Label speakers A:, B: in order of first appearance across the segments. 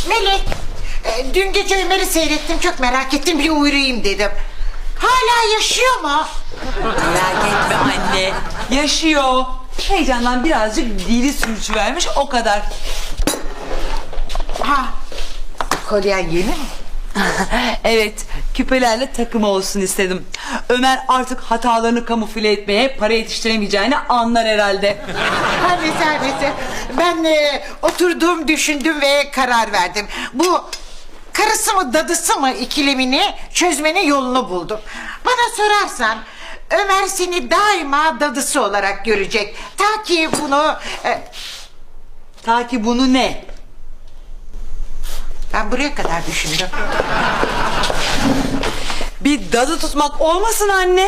A: Melek, dün gece Ömer'i seyrettim, çok merak ettim, bir uğrayayım dedim. Hala yaşıyor mu?
B: Merak etme anne. Yaşıyor. Heyecandan birazcık dili sürçüvermiş, o kadar.
A: Ha, kolyen yeni mi?
B: Evet, küpelerle takım olsun istedim. Ömer artık hatalarını kamufle etmeye, para yetiştiremeyeceğini anlar herhalde.
A: Her neyse. Ben oturdum, düşündüm ve karar verdim. Bu karısı mı dadısı mı ikilemini çözmenin yolunu buldum. Bana sorarsan Ömer seni daima dadısı olarak görecek. Ta ki bunu...
B: Ta ki bunu ne?
A: Ben buraya kadar düşündüm.
B: Bir dadı tutmak olmasın anne.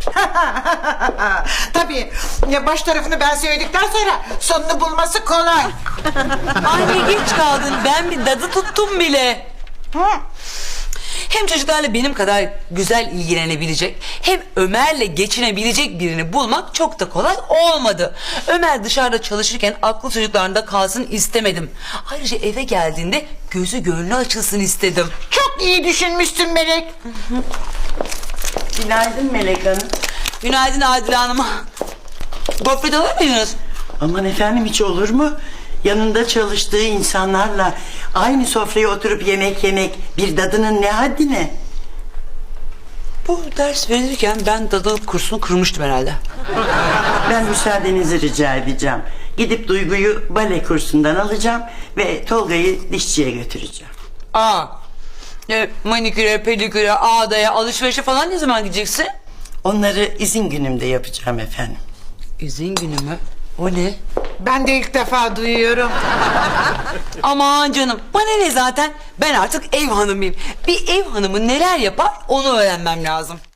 A: Tabii baş tarafını ben söyledikten sonra sonunu bulması kolay.
B: Anne geç kaldın, ben bir dadı tuttum bile.
A: Hı?
B: Hem çocuklarla benim kadar güzel ilgilenebilecek, hem Ömer'le geçinebilecek birini bulmak çok da kolay olmadı. Ömer dışarıda çalışırken aklı çocuklarında kalsın istemedim. Ayrıca eve geldiğinde gözü gönlü açılsın istedim.
A: Çok iyi düşünmüşsün Melek.
C: Günaydın Melek Hanım.
B: Günaydın Adile Hanım. Gofret alır mıydınız?
C: Aman efendim, hiç olur mu? Yanında çalıştığı insanlarla aynı sofraya oturup yemek yemek bir dadının ne haddine?
B: Bu ders verilirken ben dadılık kursunu kırmıştım herhalde.
C: Ben müsaadenizi rica edeceğim. Gidip Duygu'yu bale kursundan alacağım ve Tolga'yı dişçiye götüreceğim.
B: Maniküre, pediküre, ağdaya, alışverişe falan ne zaman gideceksin?
C: Onları izin günümde yapacağım efendim.
B: İzin günü mü? O ne?
A: Ben de ilk defa duyuyorum.
B: Aman canım, bana ne zaten? Ben artık ev hanımıyım. Bir ev hanımı neler yapar onu öğrenmem lazım.